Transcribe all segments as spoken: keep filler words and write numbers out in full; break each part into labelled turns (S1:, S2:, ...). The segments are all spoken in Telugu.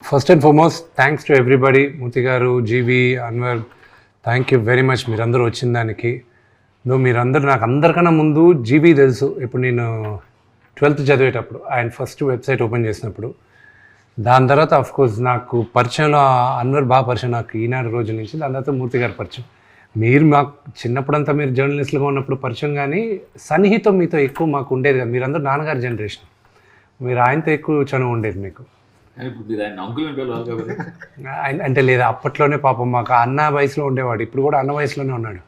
S1: First and foremost thanks to everybody, Murthy garu, Jeevi, Anwar, thank you very much మీరందరూ వచ్చిన దానికి. నువ్వు మీరందరూ నాకు అందరికన్నా ముందు జీవి తెలుసు. ఇప్పుడు నేను ట్వెల్త్ చదివేటప్పుడు ఆయన ఫస్ట్ వెబ్సైట్ ఓపెన్ చేసినప్పుడు, దాని తర్వాత అఫ్కోర్స్ నాకు పరిచయంలో అన్వర్ బాగా పరిచయం నాకు ఈనాడు రోజుల నుంచి. దాని తర్వాత మూర్తి గారు పరిచయం. మీరు మాకు చిన్నప్పుడంతా మీరు జర్నలిస్టులుగా ఉన్నప్పుడు పరిచయం, కానీ సన్నిహితం మీతో ఎక్కువ మాకు ఉండేది కదా. మీరందరూ నాన్నగారి జనరేషన్, మీరు ఆయనతో ఎక్కువ చనువు ఉండేది మీకు. ఆయన అంటే లేదా అప్పట్లోనే పాపం మాకు అన్న వయసులో ఉండేవాడు, ఇప్పుడు కూడా అన్న వయసులోనే ఉన్నాడు.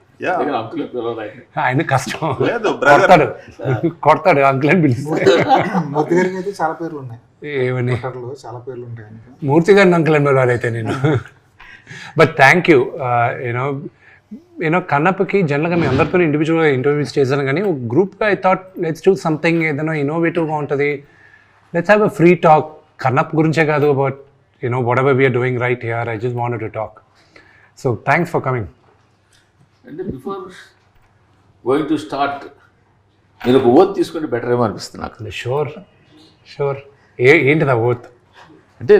S1: ఆయన కష్టం, కొడతాడు కొడతాడు అంకుల్ అని పిలుస్తాడు.
S2: మూర్తి గారికి అయితే చాలా పేర్లు ఉన్నాయి.
S1: ఏమని?
S2: చాలా పేర్లు ఉంటాయి
S1: మూర్తి గారిని అంకుల్ అని పిలవాలి అయితే నేను. But thank you. You know you know కన్నప్పకి జనరల్గా మీ అందరితో ఇండివిజువల్గా ఇంటర్వ్యూస్ చేశాను, కానీ ఒక గ్రూప్గా I thought let's do something ఏదైనా ఇన్నోవేటివ్గా ఉంటుంది. Let's have a free talk. Kannappa గురించే కాదు, but you know whatever we're doing right here, I just wanted to talk. So thanks for coming.
S3: అంటే బిఫోర్ గోయింగ్ టు స్టార్ట్ మీరు ఒక ఓత్ తీసుకుంటే బెటర్ ఏమో అనిపిస్తుంది నాకు.
S1: Sure sure. ఏ ఏంటిది ఆ ఓత్?
S3: అంటే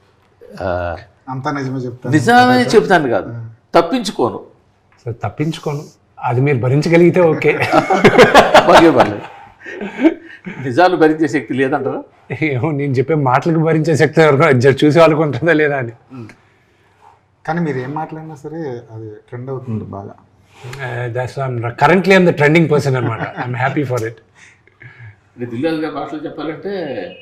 S2: అంతా నిజమే చెప్తాను.
S3: నిజమే చెప్తాను కాదు, తప్పించుకోను.
S1: సో తప్పించుకోను, అది మీరు భరించగలిగితే ఓకే.
S3: బాగే పర్లేదు. నిజాలు భరించే శక్తి లేదంటారా?
S1: ఏమో, నేను చెప్పే మాటలకు భరించే శక్తి ఎవరికో చూసే వాళ్ళకు ఉంటుందా లేదా అని.
S2: కానీ మీరు ఏం మాట్లాడినా సరే అది ట్రెండ్ అవుతుంది బాగా.
S1: That's currently I'm the trending person అనమాట. I'm happy for it.
S3: Dil Raju గారి భాషలో చెప్పాలంటే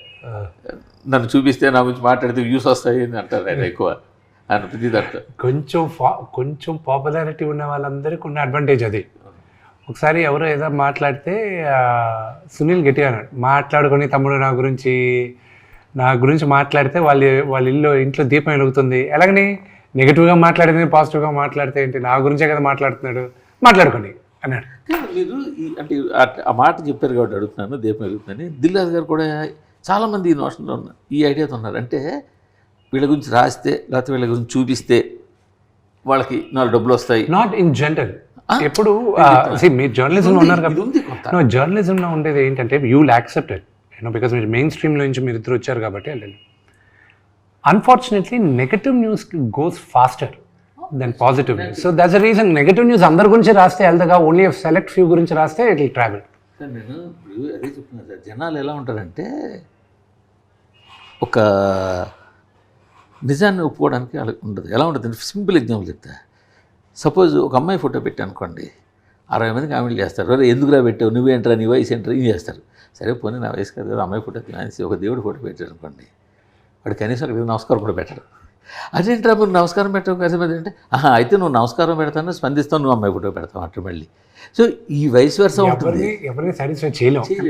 S3: నన్ను చూపిస్తే నా గురించి మాట్లాడితే వ్యూస్ వస్తాయి అని అంటారు ఆయన ఎక్కువ. ఆయన ప్రతి దాంట్లో
S1: కొంచెం కొంచెం పాపులారిటీ ఉన్న వాళ్ళందరికీ ఉన్న అడ్వాంటేజ్ అది. ఒకసారి ఎవరో ఏదో మాట్లాడితే సునీల్ గట్టిగా అన్నాడు, మాట్లాడుకొని తమ్ముడు నా గురించి నా గురించి మాట్లాడితే వాళ్ళ వాళ్ళ ఇల్లు ఇంట్లో దీపం వెలుగుతుంది. ఎలాగని నెగిటివ్గా మాట్లాడితే పాజిటివ్గా మాట్లాడితే ఏంటి, నా గురించే కదా మాట్లాడుతున్నాడు, మాట్లాడుకోండి అన్నాడు.
S3: మీరు ఈ అంటే ఆ మాట చెప్పారు కాబట్టి అడుగుతున్నాను, దీపం వెలుగుతుందని. దిల్రాజు గారు కూడా చాలామంది ఈ నోషన్లో ఉన్నారు, ఈ ఐడియాతో ఉన్నారు. అంటే వీళ్ళ గురించి రాస్తే లేకపోతే వీళ్ళ గురించి చూపిస్తే వాళ్ళకి నాలుగు డబ్బులు వస్తాయి.
S1: Not in general. ఎప్పుడు మీరు జర్నలిజంలో ఉన్నారు కదా, జర్నలిజంలో ఉండేది ఏంటంటే you will accept it, you know, because మీరు మెయిన్ స్ట్రీమ్లో నుంచి మీరు ఇద్దరు వచ్చారు కాబట్టి. Unfortunately negative news goes faster then positive news. So that's the reason negative news అందరి గురించి రాస్తే వెళ్తాగా, ఓన్లీ సెలెక్ట్ ఫ్యూ గురించి రాస్తే ఇట్ విల్ ట్రావెల్.
S3: సార్ నేను ఇప్పుడు అదే చెప్తున్నాను సార్, జనాలు ఎలా ఉంటారంటే ఒక నిజాన్ని ఒప్పుకోవడానికి అలా ఉండదు. ఎలా ఉంటుంది? సింపుల్ ఎగ్జాంపుల్ చెప్తా. సపోజ్ ఒక అమ్మాయి ఫోటో పెట్టి అనుకోండి, అరవై మంది కామెంట్లు చేస్తారు, అరే ఎందుకురా పెట్టావు, నువ్వేంట్రా, నీ వయసు ఏంట్రా, ఇది చేస్తారు. సరే పోనీ నా వయసు కాదు కదా, అమ్మాయి ఫోటో తినేసి ఒక దేవుడు ఫోటో పెట్టారు అనుకోండి, వాడు కనీసం అక్కడ నమస్కారం కూడా పెట్టడు. అదేంట్రా మీరు నమస్కారం పెట్టడం కదా అంటే, ఆహా అయితే నువ్వు నమస్కారం పెడతాను స్పందిస్తావు, నువ్వు అమ్మాయి ఫోటో పెడతావు అట్లా మళ్ళీ. సో ఈ వయసు వరుస ఉంటుంది,
S1: ఎవరిని సాటిస్ఫై చేయలేము.